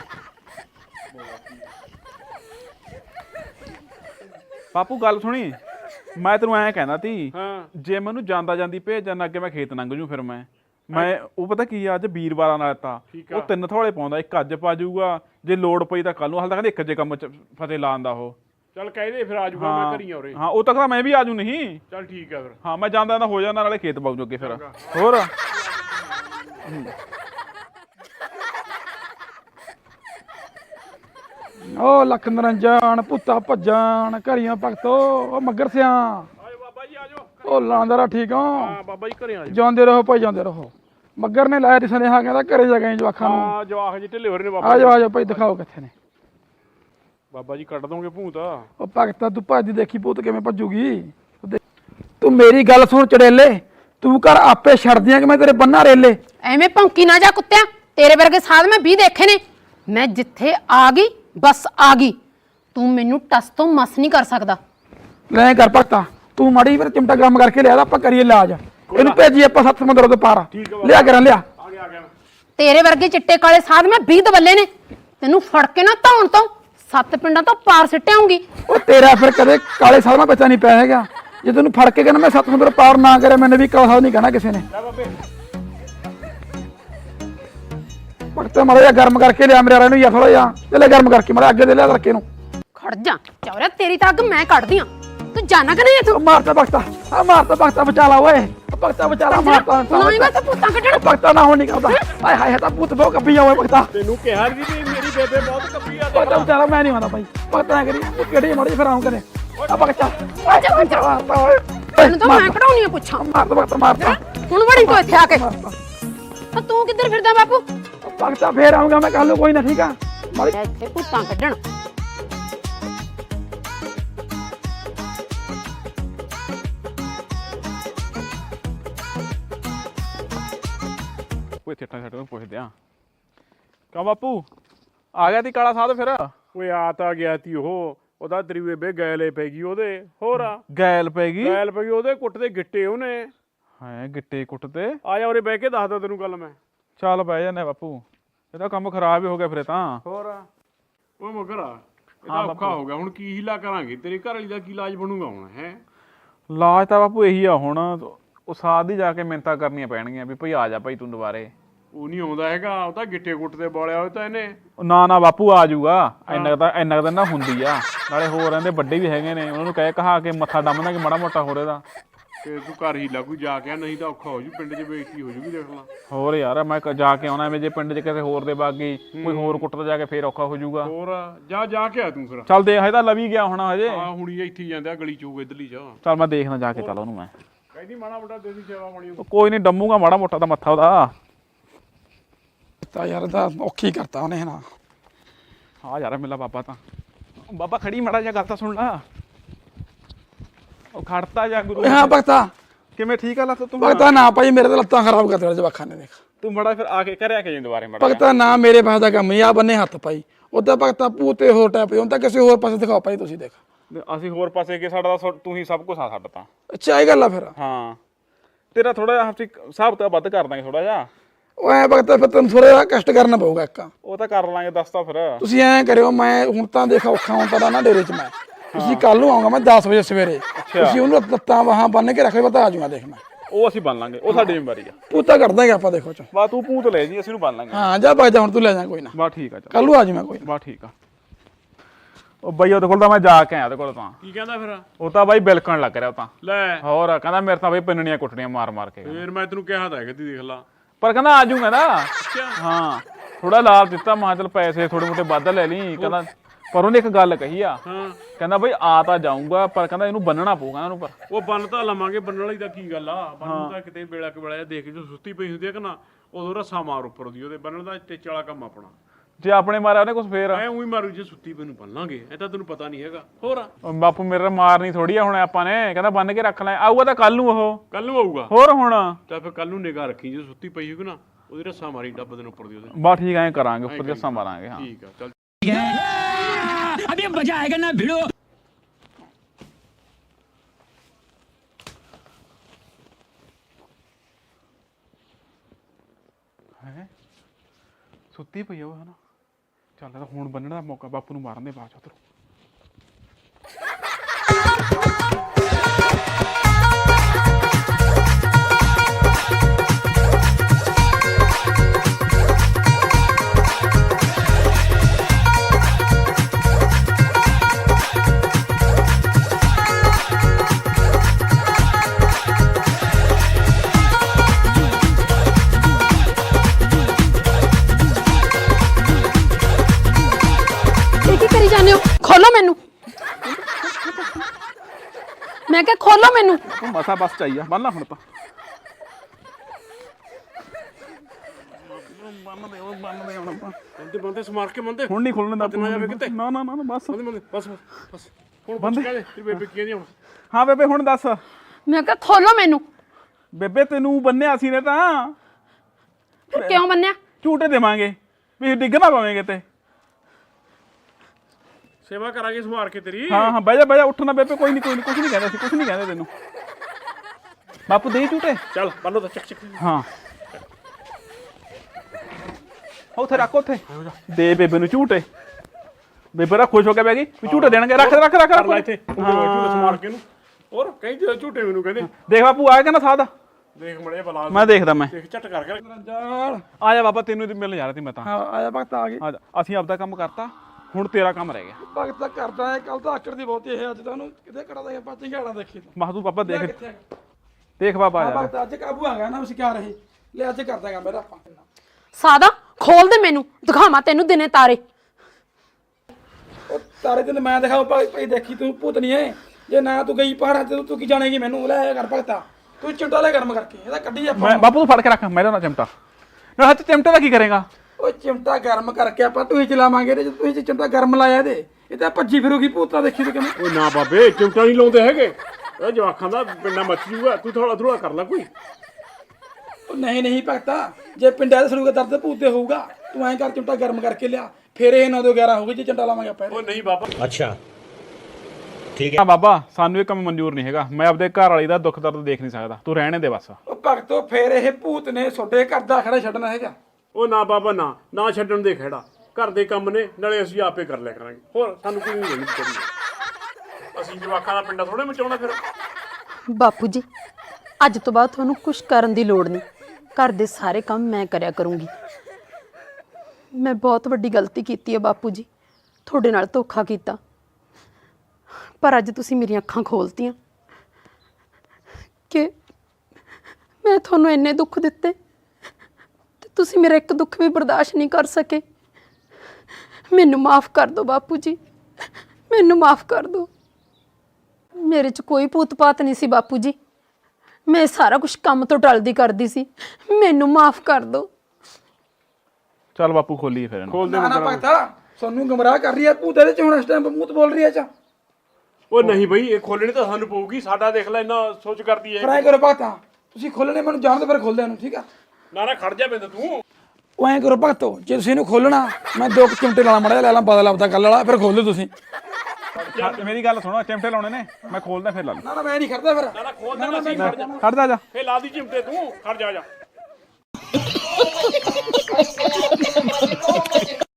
ਬਾਪੂ ਗੱਲ ਸੁਣੀ, ਮੈਂ ਤੈਨੂੰ ਐਂ ਕਹਿੰਦਾ ਤੀ
ਹਾਂ
ਜੇ ਮੈਨੂੰ ਜਾਂਦਾ ਜਾਂਦੀ ਭੇਜ ਜਾਣਾ ਅੱਗੇ ਮੈਂ ਖੇਤ ਲੰਘ ਜੂ। ਫਿਰ ਮੈਂ ਉਹ ਪਤਾ ਕੀ ਆ, ਅੱਜ ਵੀਰਵਾਰਾਂ ਨਾਲ ਤਾਂ ਉਹ 3 ਥੋੜੇ ਪਾਉਂਦਾ, ਇੱਕ ਅੱਜ ਪਾ ਜਾਊਗਾ, ਜੇ ਲੋੜ ਪਈ ਤਾਂ ਕੱਲ ਨੂੰ। ਹਾਲੇ ਤਾਂ ਕਹਿੰਦੇ ਇੱਕ ਜੇ ਕੰਮ ਚ ਫਤਿਹ ਲਾਉਂਦਾ ਉਹ।
ਚੱਲ ਕਹਿ ਦੇ ਫਿਰ ਆ ਜਾਊਗਾ ਮੈਂ ਘਰੀ ਔਰੇ।
ਹਾਂ ਉਹ ਤਾਂ ਮੈਂ ਵੀ ਆਜੂ ਨਹੀਂ।
ਚੱਲ ਠੀਕ ਆ ਫਿਰ।
ਹਾਂ ਮੈਂ ਜਾਂਦਾ ਤਾਂ ਹੋ ਜਾਂਦਾ, ਨਾਲੇ ਖੇਤ ਬਾਉ ਅੱਗੇ ਫਿਰ। ਹੋਰ
ਓ ਲੱਖ ਨਰੰਜਨ ਪੁੱਤਾ ਭੱਜਣ ਘਰੀਆਂ ਭਗਤੋ। ਓ ਮੱਗਰ ਸਿਆਂ,
ਆਜੋ ਬਾਬਾ ਜੀ ਆਜੋ।
ਓ ਲਾਂਦਾਰਾ ਠੀਕ ਹੋ?
ਹਾਂ ਬਾਬਾ ਜੀ ਘਰੇ ਆਜੋ।
ਜਾਂਦੇ ਰਹੋ ਭਾਈ ਜਾਂਦੇ ਰਹੋ। ਮੱਗਰ ਨੇ ਲਾਇਆ ਸੁਨੇਹਾ, ਕਹਿੰਦਾ ਘਰੇ ਜਾ ਗਏ ਜਵਾਖਾਂ ਨੂੰ।
ਹਾਂ ਜਵਾਖ ਜੀ ਢਿੱਲੇ ਹੋ ਰਹੇ ਨੇ ਬਾਬਾ।
ਆਜੋ ਆਜੋ ਭਾਈ ਦਿਖਾਓ ਕਿੱਥੇ ਨੇ।
ਬਾਬਾ ਜੀ ਕੱਢ ਦੋਗੇ ਭੂਤ।
ਓ ਭਗਤਾ ਤੂੰ ਭੱਜਦੀ ਦੇਖੀ ਭੂਤ ਕਿਵੇਂ ਭੱਜੂਗੀ। ਤੂੰ ਮੇਰੀ ਗੱਲ ਸੁਣ ਚੜੇਲੇ, ਤੂੰ ਕਰ ਆਪੇ ਛੱਡਦੀਆਂ ਕਿ ਮੈਂ ਤੇਰੇ ਬੰਨਾ ਰੇਲੇ।
ਐਵੇਂ ਭੌਂਕੀ ਨਾ ਜਾ ਕੁੱਤਿਆ, ਤੇਰੇ ਵਰਗੇ ਸਾਧ ਮੈਂ 20 ਦੇਖੇ ਨੇ। ਮੈਂ ਜਿੱਥੇ ਆ ਗਈ ਬਸ ਆ ਗਈ, ਤੂੰ ਮੈਨੂੰ ਟਸ ਤੋਂ ਮਸ ਨਹੀਂ ਕਰ ਸਕਦਾ।
ਲੈ ਕਰ ਭਗਤਾ, ਤੂੰ ਮਾੜੀ ਫਿਰ ਚਿਮਟਾ ਗਰਮ ਕਰਕੇ ਲਿਆ, ਆਪਾਂ ਕਰੀਏ ਇਲਾਜ। ਇਹਨੂੰ ਭੇਜੀਏ ਆਪਾਂ 7 ਸਮੁੰਦਰਾਂ ਤੋਂ ਪਾਰ। ਲਿਆ ਕਰਾਂ ਲਿਆ।
ਆ ਗਿਆ
ਤੇਰੇ ਵਰਗੇ ਚਿੱਟੇ ਕਾਲੇ ਸਾਧ ਮੈਂ 20 ਦਬੱਲੇ ਨੇ, ਤੈਨੂੰ ਫੜ ਕੇ ਨਾ ਧੌਣ ਤੋਂ 7 ਪਿੰਡਾਂ ਤੋਂ ਪਾਰ ਸਿੱਟਿਆਉਂਗੀ।
ਉਹ ਤੇਰਾ ਫਿਰ ਕਦੇ ਕਾਲੇ ਸਾਧ ਨਾਲ ਬੱਚਾ ਨਹੀਂ ਪਿਆ ਹੈਗਾ। ਜੇ ਤੈਨੂੰ ਫੜ ਕੇ ਕਹਿੰਦਾ ਮੈਂ 7 ਸਮੁੰਦਰ ਪਾਰ ਨਾ ਕਰੇ, ਮੈਨੇ ਵੀ ਕਾਲਾ ਸਾਧ ਨਹੀਂ ਕਹਿਣਾ ਕਿਸੇ ਨੇ। ਭਗਤਾ ਮਾੜਾ ਜਿਹਾ ਗਰਮ ਕਰਕੇ ਲਿਆ ਮੇਰੇ ਵਾਲੇ ਨੂੰ ਯਾਰ, ਥੋੜਾ ਜਿਹਾ ਲੈ ਗਰਮ ਕਰਕੇ ਮਾੜਾ ਅੱਗੇ ਦੇ ਲਿਆ ਤੜਕੇ ਨੂੰ।
ਖੜ ਜਾ ਚੌਰਿਆ, ਤੇਰੀ ਤਾਂ ਅੱਗ ਮੈਂ ਕੱਢਦੀ ਆ, ਤੂੰ ਜਾਣਾ ਕਿ ਨਹੀਂ
ਉਹ
ਤੂੰ?
ਮਾਰਤਾ ਭਗਤਾ, ਆ ਮਾਰਤਾ ਭਗਤਾ, ਬਚਾ ਲਾ ਓਏ। ਭਗਤਾ ਬਚਾ ਲਾ, ਮਾਰਤਾ
ਨਹੀਂ ਮੈਂ ਤਾਂ ਪੁੱਤਾਂ ਕੱਢਣ।
ਭਗਤਾ ਨਾ ਹੁਣ ਨਹੀਂ ਕਰਦਾ। ਹਾਏ ਹਾਏ ਤਾਂ ਪੁੱਤ ਬਹੁਤ ਕੱਪੀ ਓਏ ਭਗਤਾ।
ਤੈਨੂੰ ਕਿਹਾ ਜੀ ਵੀ ਮੇਰੀ ਬੇਬੇ ਬਹੁਤ ਕੱਪੀ ਆ।
ਭਗਤਾ ਬਚਾ ਲਾ, ਮੈਂ ਨਹੀਂ ਆਉਂਦਾ ਭਾਈ। ਭਗਤਾ ਨਾ ਕਰੀ, ਤੂੰ ਕਿਹੜੀ ਮਾੜੀ ਫਿਰ ਆਉਂ ਕਰੇ। ਆ ਭਗਤਾ ਮਾਰਤਾ ਓਏ।
ਤੈਨੂੰ ਤਾਂ ਮੈਂ ਕਢਾਉਣੀ ਆ ਪੁੱਛਾਂ।
ਮਾਰਤਾ ਭਗਤਾ ਮਾਰਤਾ।
ਹੁਣ ਵੜੀ ਤੂੰ ਇੱਥੇ ਆ ਕੇ। ਤਾਂ ਤੂੰ ਕਿੱਧਰ ਫਿਰਦਾ ਬਾਪੂ?
ਭਗਤਾ ਫੇਰ ਆਉਂਗਾ ਮੈਂ ਕੱਲ ਨੂੰ, ਕੋਈ ਨਾ ਠੀਕ ਆ।
ਮੈਂ ਇੱਥੇ ਪੁੱਤਾਂ ਕੱਢਣ।
ਕੋਈ ਥੇਟਾਂ ਛੱਡ ਨੂੰ ਪੁੱਛਦੇ ਆ। ਕਾ ਬਾਪੂ ਆ ਗਿਆ ਤੀ ਕਾਲਾ ਸਾਧ ਫਿਰ?
ਓਏ ਆ ਤਾਂ ਗਿਆ ਤੀ ਉਹ, ਉਹਦਾ ਤੇਰੀ ਬੇਬੇ ਗੈਲੇ ਪੈ ਗਈ ਉਹਦੇ। ਹੋਰ ਆ
ਗੈਲ ਪੈ ਗਈ?
ਗੈਲ ਪੈ ਗਈ ਉਹਦੇ, ਕੁੱਟ ਦੇ ਗਿੱਟੇ ਉਹਨੇ।
ਹਾਂ ਗਿੱਟੇ ਕੁੱਟ ਤੇ।
ਆ ਜਾ ਉਰੇ ਬਹਿ ਕੇ ਦੱਸਦਾ ਤੈਨੂੰ ਗੱਲ ਮੈਂ।
ਚੱਲ ਬਹਿ ਜਾਂਦੇ ਬਾਪੂ, ਇਹਦਾ ਕੰਮ ਖਰਾਬ ਹੀ ਹੋ ਗਿਆ ਫਿਰ ਤਾਂ।
ਹੋਰ ਉਹ ਮਗਰਾ ਇਹਦਾ ਔਖਾ ਹੋ ਗਿਆ ਹੁਣ, ਕੀ ਹੀਲਾ ਕਰਾਂਗੇ? ਤੇਰੀ ਘਰ ਵਾਲੀ ਦਾ ਕੀ ਇਲਾਜ ਬਣੂਗਾ ਹੁਣ? ਹੈ
ਲਾਜ ਤਾਂ ਬਾਪੂ ਇਹੀ ਆ ਹੁਣ, ਉਹ ਸਾਧ ਹੀ ਜਾ ਕੇ ਮਿੰਨਤਾਂ ਕਰਨੀਆਂ ਪੈਣਗੀਆਂ ਵੀ ਭਾਈ ਆ ਜਾ ਭਾਈ ਤੂੰ ਦੁਬਾਰੇ।
ਉਹ ਨਹੀਂ ਆਉਂਦਾ ਹੈਗਾ, ਉਹ ਤਾਂ ਗਿੱਟੇ ਕੁੱਟ ਤੇ ਬੋਲਿਆ ਹੋਇਆ ਤਾਂ ਇਹਨੇ।
ਨਾ ਬਾਪੂ ਆ ਜਾਊਗਾ, ਇੰਨਾ ਤਾਂ ਨਾ ਹੁੰਦੀ ਆ। ਨਾਲੇ ਹੋਰ ਰਹਿੰਦੇ ਵੱਡੇ ਵੀ ਹੈਗੇ ਨੇ, ਉਹਨਾਂ ਨੂੰ ਕਹਾ ਕੇ ਮੱਥਾ ਡੰਮਦਾ ਕਿ ਮਾੜਾ ਮੋਟਾ ਹੋ ਰਿਹਾ।
ਤੇ ਤੂੰ ਘਰ ਹੀਲਾ ਕੋਈ ਜਾ ਕੇ, ਨਹੀਂ ਤਾਂ ਔਖਾ ਹੋ ਜੂ, ਪਿੰਡ 'ਚ ਬੇਇੱਜ਼ਤੀ ਹੋ ਜੂਗੀ ਦੇਖ ਲਾ।
ਹੋਰ ਯਾਰ ਮੈਂ ਜਾ ਕੇ ਆਉਣਾ, ਐਵੇਂ ਜੇ ਪਿੰਡ 'ਚ ਕਿਸੇ ਹੋਰ ਦੇ ਬਾਗੀ ਕੋਈ ਹੋਰ ਕੁੱਟਦਾ ਜਾ ਕੇ ਫੇਰ ਔਖਾ ਹੋ ਜਾਊਗਾ।
ਹੋਰ ਜਾ ਕੇ ਆ ਤੂੰ ਫਿਰ।
ਚੱਲ ਦੇਖ, ਹਜੇ ਤਾਂ ਲਵੀ ਗਿਆ ਹੋਣਾ ਹਜੇ।
ਆ ਹੁਣੀ ਇੱਥੇ ਜਾਂਦੇ ਗਲੀ ਚੋਂ ਇਧਰਲੀ ਚ।
ਚੱਲ ਮੈਂ ਦੇਖਣਾ ਜਾ ਕੇ, ਚੱਲ ਉਹਨੂੰ ਮੈਂ
ਕਹਿੰਦੀ ਮਾੜਾ ਮੋਟਾ ਦੇਸੀ ਸੇਵਾ ਬਣੀ।
ਕੋਈ ਨਹੀਂ ਡੰਮੂਗਾ ਮਾੜਾ ਮੋਟਾ ਤਾਂ ਮੱਥਾ ਉਹਦਾ।
ਤਾਂ ਯਾਰ ਤਾਂ ਔਖੀ ਕਰਤਾ ਉਹਨੇ ਨਾ।
ਹਾਂ ਯਾਰ ਮਿਲਾ ਬਾਬਾ ਤਾਂ। ਬਾਬਾ ਖੜੀ ਮਾੜਾ ਜਿਹਾ ਗੱਲ ਤਾਂ ਸੁਣ ਲਾ। ਉਹ ਖੜਤਾ ਜਾ ਗੁਰੂ।
ਹਾਂ ਭਗਤਾ
ਕਿਵੇਂ ਠੀਕ ਆ ਲੱਤ ਤੂੰ?
ਭਗਤਾ ਨਾ ਭਾਈ, ਮੇਰੇ ਤਾਂ ਲੱਤਾਂ ਖਰਾਬ ਕਰ ਦੇਣਾ ਜਵਾਖਾਂ ਨੇ। ਦੇਖ
ਤੂੰ ਮੜਾ ਫਿਰ ਆ ਕੇ ਕਰਿਆ ਕਿ ਦੁਬਾਰੇ ਮੜਾ।
ਭਗਤਾ ਨਾ ਮੇਰੇ ਪਾਸ ਦਾ ਕੰਮ ਹੀ ਆ, ਬੰਨੇ ਹੱਥ ਪਾਈ। ਉਹਦਾ ਭਗਤਾ ਪੂਤੇ ਹੋਰ ਟੈਪ ਹੁਣ ਤਾਂ ਕਿਸੇ ਹੋਰ ਪਾਸੇ ਦਿਖਾਓ ਭਾਈ ਤੁਸੀਂ। ਦੇਖ
ਅਸੀਂ ਹੋਰ ਪਾਸੇ ਕਿ ਸਾਡਾ ਤਾਂ ਤੂੰ ਹੀ ਸਭ ਕੁਝ ਆ ਸਾਡਾ ਤਾਂ।
ਅੱਛਾ ਇਹ ਗੱਲ ਆ ਫਿਰ।
ਹਾਂ ਤੇਰਾ ਥੋੜਾ ਜਿਹਾ ਅਸੀਂ ਹਿਸਾਬ ਤਾਂ ਵੱਧ ਕਰ ਦਾਂਗੇ ਥੋੜਾ ਜਿਹਾ।
ਉਹ ਐ ਭਗਤਾ ਫਿਰ ਤੈਨੂੰ ਥੋੜਾ ਜਿਹਾ ਕਸ਼ਟ ਕਰਨਾ ਪਊਗਾ ਇੱਕ।
ਉਹ ਤਾਂ ਕਰ ਲਾਂਗੇ, ਦੱਸ ਤਾਂ ਫਿਰ।
ਤੁਸੀਂ ਐਂ ਕਰਿਓ, ਮੈਂ ਹੁਣ ਤਾਂ ਦੇਖ ਔਖਾ ਹੁਣ ਤਾਂ ਨਾ ਡੇਰੇ 'ਚ ਮੈਂ। ਤੁਸੀਂ ਕੱਲ ਨੂੰ ਆਉਂਗਾ ਮੈਂ 10 ਵਜੇ ਸਵੇਰੇ। ਤੁਸੀਂ ਉਹਨੂੰ ਲੱਤਾਂ ਬਾਹਾਂ ਬੰਨ ਕੇ ਰੱਖੋ, ਪਤਾ ਆ ਜਾਊਗਾ। ਦੇਖ ਮੈਂ
ਉਹ ਅਸੀਂ ਬਣ ਲਾਂਗੇ, ਉਹ ਸਾਡੀ ਜ਼ਿੰਮੇਵਾਰੀ ਆ।
ਪੂਤਾ ਕਰ ਦਾਂਗੇ ਆਪਾਂ। ਦੇਖੋ ਚ
ਬਾ ਤੂੰ ਪੂਤ ਲੈ ਜੀ, ਅਸੀਂ ਨੂੰ ਬਣ ਲਾਂਗੇ।
ਹਾਂ ਜਾ ਭਗਤਾ ਹੁਣ ਤੂੰ ਲੈ ਜਾ, ਕੋਈ ਨਾ।
ਬਾ ਠੀਕ ਆ, ਚੱਲ
ਕੱਲ ਨੂੰ ਆ ਜਾਊ ਮੈਂ, ਕੋਈ ਨਾ।
ਬਾ ਠੀਕ ਆ। ਉਹ ਬਾਈ ਉਹਦੇ ਕੋਲ ਤਾਂ ਮੈਂ ਜਾ ਕੇ ਆਇਆ, ਉਹਦੇ ਕੋਲ ਤਾਂ।
ਕੀ ਕਹਿੰਦਾ ਫਿਰ?
ਉਹ ਤਾਂ ਬਾਈ ਬਿਲਕਣ ਲੱਗ ਰਿਹਾ ਉਹ ਤਾਂ।
ਲੈ
ਹੋਰ ਕਹਿੰਦਾ ਮੇਰੇ ਤਾਂ ਬਾਈ ਪਿੰਨਣੀਆਂ ਕੁੱਟਣੀਆਂ ਮਾਰ ਮਾਰ ਕੇ।
ਫੇਰ ਮੈਂ ਤੈਨੂੰ ਕਿਹਾ ਤਾਂ ਹੈਗਾ ਤੀ, ਦੇਖ ਲਾ।
ਪਰ ਕਹਿੰਦਾ ਆ ਜਾਊਗਾ ਨਾ। ਹਾਂ ਥੋੜਾ ਲਾਭ ਦਿੱਤਾ, ਮੈਂ ਚੱਲ ਪੈਸੇ ਥੋੜੇ ਮੋਟੇ ਵੱਧ ਲੈ ਲਈ ਕਹਿੰਦਾ। ਪਰ ਉਹਨੇ ਇੱਕ ਗੱਲ ਕਹੀ ਆ, ਕਹਿੰਦਾ ਬਈ ਆ ਤਾਂ ਜਾਊਂਗਾ, ਪਰ ਕਹਿੰਦਾ ਇਹਨੂੰ ਬੰਨਣਾ ਪਊਗਾ ਇਹਨੂੰ। ਪਰ
ਉਹ ਬੰਨ ਤਾਂ ਲਵਾਂਗੇ, ਬੰਨਣ ਵਾਲੀ ਤਾਂ ਕੀ ਗੱਲ ਆ। ਬੰਨਣ ਤਾਂ ਕਿਤੇ ਵੇਲਾ ਕਵੇਲਾ ਦੇਖ ਜੋ ਸੁੱਤੀ ਪਈ ਹੁੰਦੀ ਹੈ ਕਿ ਨਾ, ਉਦੋਂ ਰੱਸਾ ਮਾਰ ਉੱਪਰ ਦੀ ਉਹਦੇ। ਬੰਨਣ ਦਾ ਟਿੱਚ ਵਾਲਾ ਕੰਮ ਆਪਣਾ।
ਜੇ ਆਪਣੇ ਮਾਰਿਆ ਉਹਨੇ ਕੁਛ ਫੇਰ
ਐ ਉਹੀ ਮਾਰੂ ਜੇ ਸੁੱਤੀ ਪਈ ਨੂੰ ਬੰਨਾਂਗੇ ਇਹ ਤਾਂ ਤੈਨੂੰ ਪਤਾ ਨਹੀਂ ਹੈਗਾ। ਹੋਰ
ਉਹ ਬਾਪੂ ਮੇਰਾ ਮਾਰਨੀ ਥੋੜੀ ਆ ਹੁਣ ਆਪਾਂ ਨੇ, ਕਹਿੰਦਾ ਬੰਨ ਕੇ ਰੱਖ ਲੈ, ਆਊਗਾ ਤਾਂ ਕੱਲ ਨੂੰ ਉਹ।
ਕੱਲ ਨੂੰ ਆਊਗਾ
ਹੋਰ ਹੁਣ
ਤਾਂ ਫਿਰ ਕੱਲ ਨੂੰ ਨਿਗਾਹ ਰੱਖੀ ਜੇ ਸੁੱਤੀ ਪਈ ਹੋਊਗੀ ਨਾ ਉਹਦੀ ਰੱਸਾ ਮਾਰੀ ਡੱਬ ਦੇ ਉੱਪਰ ਦੀ ਉਹਦੇ।
ਬਾ ਠੀਕ ਐ ਕਰਾਂਗੇ, ਉੱਪਰ ਜੱਸਾ ਮਾਰਾਂਗੇ। ਹਾਂ
ਠੀਕ ਆ ਚੱਲ।
अभी मजा आएगा ना भिड़ो।
ਹੈ ਸੁੱਤੀ ਪਈ ਆ ਉਹ ਹਨਾ। ਚੱਲ ਤਾਂ ਹੁਣ ਬੰਨਣ ਦਾ ਮੌਕਾ, ਬਾਪੂ ਨੂੰ ਮਾਰਨ ਦੇ ਬਾਅਦ ਚ ਉਧਰੋਂ।
ਕੀ ਕਰੀ ਜਾਂਦੇ ਹੋ? ਖੋਲੋ ਮੈਨੂੰ। ਮੈਂ ਕਿਹਾ ਖੋਲੋ ਮੈਨੂੰ।
ਉਹ ਮਸਾ ਬਸ ਚਾਹੀਆ ਬੰਨ ਲਾ ਹੁਣ ਤਾਂ। ਬੰਨਦੇ ਹੁਣ ਆਪਾਂ।
ਬੰਦੇ ਸਮਾਰ ਕੇ ਬੰਦੇ
ਹੁਣ ਨਹੀਂ ਖੋਲਣ ਦਾ
ਨਾ ਜਾਵੇ ਕਿਤੇ।
ਨਾ ਨਾ ਨਾ ਬਸ
ਬਸ ਬਸ ਹੁਣ ਬੰਦੇ ਤੇਰੀ ਬੇਬੇ ਕੀ ਕਹਿੰਦੀ ਹੁਣ?
ਹਾਂ ਬੇਬੇ ਹੁਣ ਦੱਸ।
ਮੈਂ ਕਿਹਾ ਖੋਲੋ ਮੈਨੂੰ।
ਬੇਬੇ ਤੈਨੂੰ ਬੰਨਿਆ ਸੀ ਨੇ ਤਾਂ,
ਫਿਰ ਕਿਉਂ ਬੰਨਿਆ?
ਝੂਟੇ ਦੇਵਾਂਗੇ ਵੀ ਡਿੱਗ ਨਾ ਪਵੇਂਗੇ ਤੇ।
ਸੇਵਾ ਕਰਾਂਗੇ ਸਮਾਰ ਕੇ ਤੇਰੀ।
ਹਾਂ ਹਾਂ ਬਹਿ ਜਾ ਉੱਠਣਾ ਬੇਬੇ, ਕੋਈ ਨਹੀਂ ਕੁਛ ਨਹੀਂ ਕਹਿੰਦੇ ਸੀ, ਕੁਛ ਨਹੀਂ ਕਹਿੰਦੇ ਤੈਨੂੰ। ਬਾਪੂ ਦੇ ਝੂਟੇ।
ਚੱਲ ਬੰਨੋ ਤਾਂ ਚੱਕ ਚੱਕ।
ਹਾਂ ਉੱਥੇ ਰੱਖ, ਉੱਥੇ ਦੇ ਬੇਬੇ ਨੂੰ ਝੂਟੇ। ਬੇਬੇ ਦਾ ਖੁਸ਼ ਹੋ ਕੇ ਬਹਿ ਗਈ ਵੀ ਝੂਟੇ ਦੇਣਗੇ। ਰੱਖ ਰੱਖ ਰੱਖ
ਕਰ ਲੈ ਇੱਥੇ ਝੂਟੇ ਸਮਾਰ ਕੇ ਨੂੰ। ਹੋਰ ਕਹਿੰਦੇ ਝੂਟੇ ਮੈਨੂੰ ਕਹਿੰਦੇ।
ਦੇਖ ਬਾਪੂ ਆਇਆ ਕਹਿੰਦਾ ਸਾਦਾ।
ਦੇਖ ਮੜੇ ਬਲਾ
ਮੈਂ ਦੇਖਦਾ, ਮੈਂ
ਦੇਖ ਝਟ ਕਰਕੇ
ਜਾਲ
ਆ ਜਾ ਬਾਬਾ, ਤੈਨੂੰ ਮਿਲਣ ਜਾ ਰਿਹਾ ਸੀ ਮੈਂ ਤਾਂ।
ਹਾਂ ਆਇਆ ਭਗਤ ਆ ਗਏ।
ਆ ਜਾ, ਅਸੀਂ ਆਪਦਾ ਕੰਮ ਕਰਤਾ, ਹੁਣ ਤੇਰਾ ਕੰਮ ਰਹਿ ਗਿਆ।
ਭਗਤ ਤਾਂ ਕਰਦਾ ਹੈ, ਕੱਲ ਤਾਂ ਆਕੜ ਦੀ ਬਹੁਤੀ ਇਹ ਅੱਜ ਤਾਂ ਉਹਨੂੰ ਕਿਤੇ ਕੜਾ ਦਾ ਪਾਚੀ ਘਾੜਾ ਦੇਖੀ ਤੂੰ।
ਮਾਹ ਤੂੰ ਬਾਬਾ ਦੇਖ
ਕਿੱਥੇ ਆ?
ਦੇਖ ਬਾਬਾ ਆ ਜਾ।
ਭਗਤ ਅੱਜ ਕਾਬੂ ਆ ਗਿਆ ਨਾ, ਅਸੀਂ ਕਿਆ ਰਹੇ ਲੈ ਅੱਜ ਕਰਦਾ ਕੰਮ ਮੇਰਾ ਆਪਾਂ।
ਸਾਦਾ ਖੋਲ ਦੇ ਮੈਨੂੰ, ਦਿਖਾਵਾਂ ਤੈਨੂੰ ਦਿਨੇ ਤਾਰੇ।
ਉਹ ਤਾਰੇ ਤੈਨੂੰ ਮੈਂ ਦਿਖਾਉ ਭਾਈ ਦੇਖੀ ਤੂੰ ਭੂਤਨੀ ਏ। ਜੇ ਨਾ ਤੂੰ ਗਈ ਪਹਾੜਾਂ ਤੇ ਤੂੰ ਕੀ ਜਾਣੇਗੀ ਮੈਨੂੰ। ਲੈ ਕਰ ਭਗਤਾ ਤੂੰ ਚਿਮਟਾ ਲੈ ਗਰਮ ਕਰਕੇ ਇਹਦਾ ਕੱਢੀ ਆਪਾਂ।
ਮੈਂ ਬਾਪੂ ਤੂੰ ਫੜ ਕੇ ਰੱਖ, ਮੈਂ ਨਾ ਚਿਮਟਾ ਨਾ ਹੱਥ। ਚਿਮਟੇ ਦਾ ਕੀ ਕਰੇਗਾ?
ਉਹ ਚਿਮਟਾ ਗਰਮ ਕਰਕੇ ਆਪਾਂ ਤੂੰ ਹੀ ਚਲਾਵਾਂਗੇ ਤੇ ਤੂੰ ਚਿਮਟਾ ਗਰਮ ਲਾਇਆ ਇਹਦੇ ਇਹ ਤਾਂ ਭੱਜੀ ਫਿਰੂਗੀ ਭੂਤਾਂ ਦੇਖੀ ਤੂੰ ਕਿਵੇਂ।
ਓਏ ਨਾ ਬਾਬੇ ਚਿਮਟਾ ਨਹੀਂ ਲਾਉਂਦੇ ਹੈਗੇ, ਇਹ ਜਵਾਖਾਂ ਦਾ ਪਿੰਡਾ ਮੱਚ ਜੂਗਾ। ਤੂੰ ਥੋੜਾ ਥੋੜਾ ਕਰ ਲੈ ਕੋਈ।
ਉਹ ਨਹੀਂ ਭਗਤਾ ਜੇ ਪਿੰਡਾਂ ਦੇ ਸਰੂਗਾ ਦਰਦ ਭੂਤੇ ਹੋਊਗਾ। ਤੂੰ ਐਂ ਕਰ ਚਿਮਟਾ ਗਰਮ ਕਰਕੇ ਲਿਆ, ਫਿਰ ਇਹ 9-11 ਹੋਊਗੀ ਜੇ ਚਿਮਟਾ ਲਾਵਾਂਗੇ ਆਪਾਂ।
ਓ ਨਹੀਂ ਬਾਬਾ
ਹਾਂ ਬਾਬਾ ਸਾਨੂੰ ਇਹ ਕੰਮ ਮਨਜ਼ੂਰ ਨਹੀਂ ਹੈਗਾ। ਮੈਂ ਆਪਦੇ ਘਰ ਵਾਲੀ ਦਾ ਦੁੱਖ ਦਰਦ ਦੇਖ ਨਹੀਂ ਸਕਦਾ, ਤੂੰ ਰਹਿਣੇ ਦੇ ਬਸ।
ਉਹ ਭਗਤੋ ਫਿਰ ਇਹ ਭੂਤ ਨੇ ਛੋਡੇ ਘਰ ਦਾ ਖੜਾ ਛੱਡਣਾ ਹੈਗਾ।
ਉਹ ਨਾ ਬਾਬਾ ਨਾ ਛੱਡਣ ਦੇ ਖੇੜਾ। ਘਰ ਦੇ ਕੰਮ ਨੇ ਨਾਲੇ ਅਸੀਂ ਆਪੇ ਕਰ ਲਿਆ ਕਰਾਂਗੇ। ਹੋਰ ਸਾਨੂੰ ਕੋਈ ਨਹੀਂ ਲੈਣੀ ਚਾਹੀਦੀ। ਅਸੀਂ ਜਵਾਕਾਂ ਦਾ ਪਿੰਡਾ ਥੋੜੇ ਮਚਾਉਣਾ ਫਿਰ।
ਬਾਪੂ ਜੀ ਅੱਜ ਤੋਂ ਬਾਅਦ ਤੁਹਾਨੂੰ ਕੁਝ ਕਰਨ ਦੀ ਲੋੜ ਨਹੀਂ। ਘਰ ਦੇ ਸਾਰੇ ਕੰਮ ਮੈਂ ਕਰਿਆ ਕਰੂੰਗੀ। ਮੈਂ ਬਹੁਤ ਵੱਡੀ ਗਲਤੀ ਕੀਤੀ ਹੈ ਬਾਪੂ ਜੀ, ਤੁਹਾਡੇ ਨਾਲ ਧੋਖਾ ਕੀਤਾ। ਪਰ ਅੱਜ ਤੁਸੀਂ ਮੇਰੀਆਂ ਅੱਖਾਂ ਖੋਲਤੀਆਂ ਕਿ ਮੈਂ ਤੁਹਾਨੂੰ ਇੰਨੇ ਦੁੱਖ ਦਿੱਤੇ ਤੇ ਤੁਸੀਂ ਮੇਰਾ ਇੱਕ ਦੁੱਖ ਵੀ ਬਰਦਾਸ਼ਤ ਨਹੀਂ ਕਰ ਸਕੇ। ਮੈਨੂੰ ਮਾਫ ਕਰ ਦਿਓ ਬਾਪੂ ਜੀ, ਮੈਨੂੰ ਮਾਫ ਕਰ ਦਿਓ। ਮੇਰੇ 'ਚ ਕੋਈ ਭੂਤ ਪਾਤ ਨਹੀਂ ਸੀ ਬਾਪੂ ਜੀ, ਮੈਂ ਸਾਰਾ ਕੁਝ ਕੰਮ ਤੋਂ ਟਲਦੀ ਕਰਦੀ ਸੀ। ਮੈਨੂੰ ਮਾਫ ਕਰ ਦਿਓ।
ਚੱਲ ਬਾਪੂ ਖੋਲੀਏ ਫਿਰ ਇਹਨੂੰ।
ਖੋਲ ਦੇ
ਨਾ ਭਗਤਾ ਸਾਨੂੰ ਗੁੰਮਰਾਹ ਕਰ ਰਹੀ ਹੈ ਭੂਤ ਇਹਦੇ ਚ ਹੁਣ ਇਸ ਟਾਈਮ ਮੂੰਹ ਬੋਲ ਰਹੀ ਹੈ ਚਾ।
ਉਹ ਨਹੀਂ ਬਈ ਇਹ ਖੋਲਣੀ ਤਾਂ ਸਾਨੂੰ ਪਊਗੀ। ਸਾਡਾ ਦੇਖ ਲੈ ਇੰਨਾ ਸੋਚ ਕਰਦੀ
ਪਰ
ਹੈ।
ਐਂ ਕਰੋ ਭਗਤਾ ਤੁਸੀਂ ਖੋਲਣੇ ਮੈਨੂੰ ਜਾਣ ਦੋ ਫਿਰ ਖੋਲਦੇ ਇਹਨੂੰ ਠੀਕ ਆ।
ਨਾ ਖੜ ਜਾ ਬਿੰਦ ਤੂੰ।
ਉਹ ਐਂ ਕਰੋ ਭਗਤੋ ਜੇ ਤੁਸੀਂ ਇਹਨੂੰ ਖੋਲਣਾ ਮੈਂ 2 ਚਿਮਟੇ ਲਾਣਾ ਮੜਾ ਲੈ ਲਾਂ ਬਦਲ ਆਪਦਾ ਗੱਲ ਵਾਲਾ ਫਿਰ ਖੋਲ ਲਓ ਤੁਸੀਂ।
ਮੇਰੀ ਗੱਲ ਸੁਣੋ, ਚਿਮਟੇ ਲਾਉਣੇ ਨੇ, ਮੈਂ ਖੋਲਦਾ ਫਿਰ ਲਾ ਲੂ।
ਨਾ ਮੈਂ ਨਹੀਂ ਖੜਦਾ ਫਿਰ।
ਨਾ ਖੋਲ ਦੇ, ਅਸੀਂ ਖੜ ਜਾ।
ਖੜਦਾ ਜਾ।
ਫੇ ਲਾ ਦੀ ਚਿਮਟੇ ਤੂੰ, ਖੜ ਜਾ।